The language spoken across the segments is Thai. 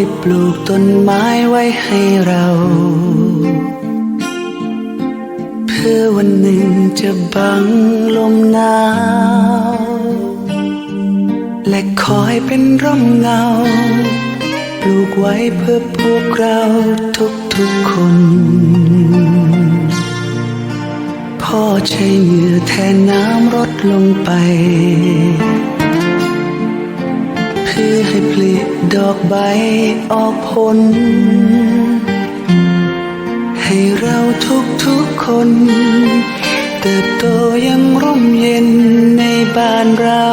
ปลูกต้นไม้ไว้ให้เราเพื่อวันหนึ่งจะบังลมหนาวและคอยเป็นร่มเงาปลูกไว้เพื่อพวกเราทุกๆคนพ่อใช้เหงื่อแทนน้ำรดลงไปเพื่อให้ผลิดอกใบออกผลให้เราทุกๆคนเติบโตยังร่มเย็นในบ้านเรา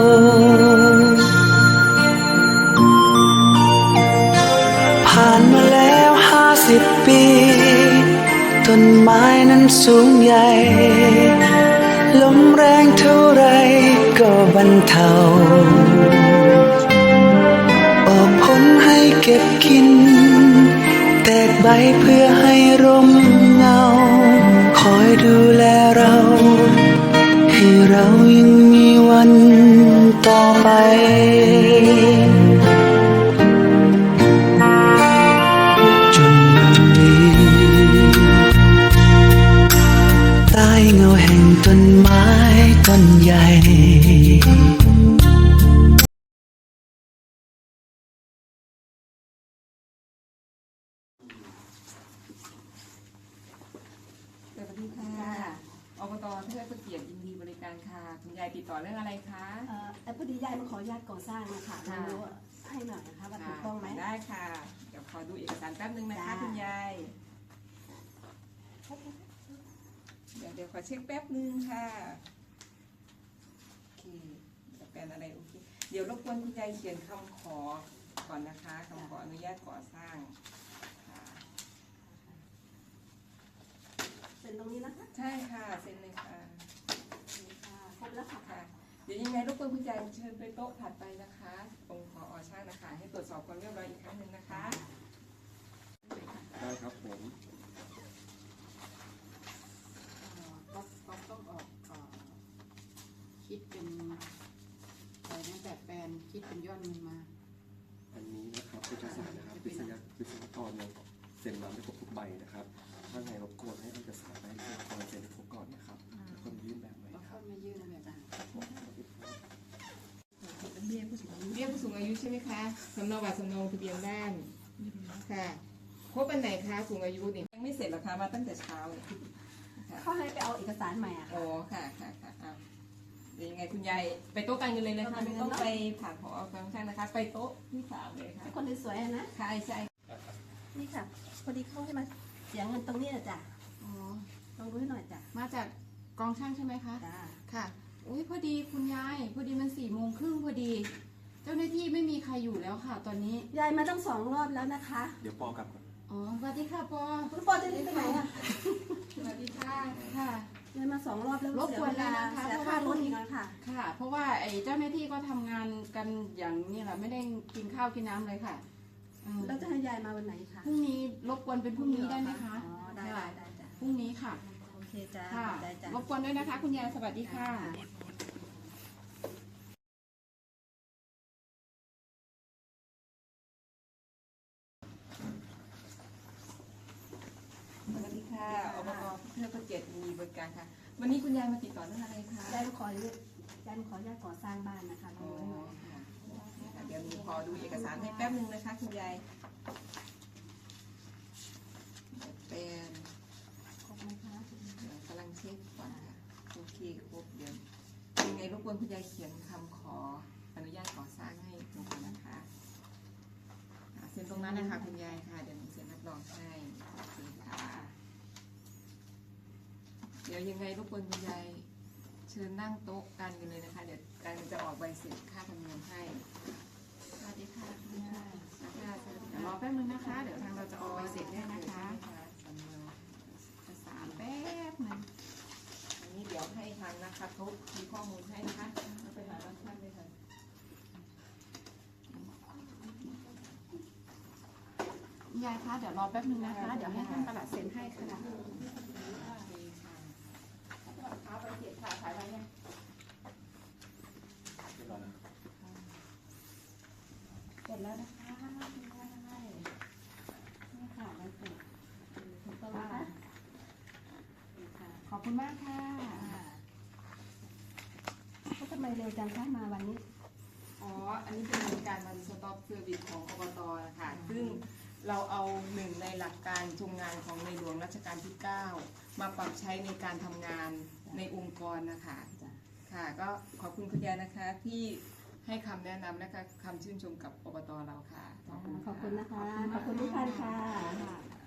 ผ่านมาแล้ว50 ปีต้นไม้นั้นสูงใหญ่ลมแรงเท่าไรก็บรรเทาออกผลให้เก็บกินแตกใบเพื่อให้ร่มเงาคอยดูแลเราให้เรายังมีวันต่อไปจนวันนี้ใต้เงาแห่งต้นไม้ต้นใหญ่สวัสดีค่ะอบต.เทิดพระเกียรติยินดีบริการค่ะคุณยายติดต่อเรื่องอะไรคะพอดียายมาขออนุญาตก่อสร้างนะคะรู้ให้หน่อยนะคะว่าถูกต้องไหมได้ค่ะเดี๋ยวขอดูเอกสารแป๊บนึงนะคะคุณยายเดี๋ยวขอเช็คแป๊บนึงค่ะโอเคจะเป็นอะไรโอเคเดี๋ยวรบกวนคุณยายเขียนคำขอก่อนนะคะคำขออนุญาตก่อสร้างเซ็นตรงนี้นะคะใช่ค่ะเซ็นเลยค่ะครบแล้วค่ะเดี๋ยวยังไงรบกวนคุณยายเชิญไปโต๊ะถัดไปนะคะตรงผอ.ช่างนะคะให้ตรวจสอบความเรียบร้อยอีกครั้งหนึ่งนะคะได้ครับผมก็ต้องออกคิดเป็นอะไรนะแบบแปลนคิดเป็นยอดเงินมาอันนี้นะครับเอกสารนะครับวิศวกรเนี่ยเซ็นมาไม่ครบทุกใบนะครับถ้าไงรบกวนให้เอกสารให้วิศวกรเซ็นให้ครบก่อนนะครับแล้วก็ยื่นแบบไหมแล้วก็มายื่นแบบนั้นเบี้ยผู้สูงอายุใช่ไหมคะสำเนาบัตรสำเนาทะเบียนบ้านค่ะครบวันไหนคะสูงอายุนี่ยังไม่เสร็จหรอคะมาตั้งแต่เช้าเลยเขาให้ไปเอาเอกสารใหม่อ่ะอ๋อค่ะเดี๋ยวยังไงคุณยายไปโต๊ะการเงินเลยนะคะไม่ต้องไปผ่านผอ.ฟังก์ชันนะคะไปโต๊ะที่3เลยค่ะคนสวยๆนะใช่นี่ค่ะพอดีเขาให้มาเสียเงินตรงนี้นะจ๊ะอ๋อลองดูให้หน่อยจ้ะมาจากกองช่างใช่ไหมคะจ้าค่ะอุ้ยพอดีคุณยายพอดีมัน4:30พอดีเจ้าหน้าที่ไม่มีใครอยู่แล้วค่ะตอนนี้ยายมาต้อง2 รอบแล้วนะคะเดี๋ยวปอกลับก่อนอ๋อสวัสดีค่ะปอคุณปอจะหนีไปไหนอ่ะสวัสดีค่ะค่ะยายมา2 รอบแล้วรบกวนแล้วนะคะเสียค่ารถอีกแล้วค่ะค่ะเพราะว่าไอ้เจ้าหน้าที่ก็ทำงานกันอย่างนี้แหละไม่ได้กินข้าวกินน้ำเลยค่ะแล้วจะให้ยายมาวันไหนคะพรุ่งนี้รบกวนเป็นพรุ่งนี้ได้ไหมคะอ๋อได้จ้ะพรุ่งนี้ค่ะโอเคจ้ะค่ะรบกวนด้วยนะคะคุณยายสวัสดีค่ะสวัสดีค่ะอบต.เทิดพระเกียรติยินดีบริการค่ะวันนี้คุณยายมาติดต่อเรื่องอะไรคะยายมาขออนุญาตก่อสร้างบ้านนะคะอ๋อค่ะเดี๋ยวหนูขอดูเอกสารให้แป๊บนึงนะคะคุณยายเป็นครบไหมคะกำลังเช็คก่อนค่ะโอเคครบเดี๋ยวยังไงรบกวนคุณยายเขียนคำขออนุญาตก่อสร้างให้ตรงนั้นนะคะเซ็นตรงนั้นนะคะคุณยายค่ะเดี๋ยวหนูเซ็นรับรองให้โอเคค่ะเดี๋ยวยังไงรบกวนคุณยายเชิญนั่งโต๊ะกันเลยนะคะเดี๋ยวการจะออกใบเสร็จค่าธรรมเนียมให้สวัสดีค่ะคุณยายเดี๋ยวรอแป๊บนึงนะคะเดี๋ยวทางเราจะออกใบเสร็จได้นะคะเอกสารแป๊บนึงอันนี้เดี๋ยวให้ทางนะคะเขามีข้อมูลให้นะคะไปหาท่านเลยค่ะยายคะเดี๋ยวรอแป๊บนึงนะคะเดี๋ยวให้ท่านประหลัดเซ็นให้ค่ะไปเสียค่ะถ่ายไว้เนี่ยเสร็จแล้วนะคะขอบคุณมากค่ะก็ทำไมเร็วจังคะมาวันนี้อ๋อ อันนี้เป็นการวันสต็อปเซอร์วิสของอบตนะคะซึ่งเราเอาหนึ่งในหลักการทำงานของในหลวงรัชกาลที่ 9 มาปรับใช้ในการทำงานในองค์กรนะคะจ้ะค่ะ ก็ขอบคุณคุณยายนะคะที่ให้คำแนะนำนะคะคำชื่นชมกับอบตเราค่ะขอบคุณนะคะ ขอบคุณทุกท่านค่ะค่ะ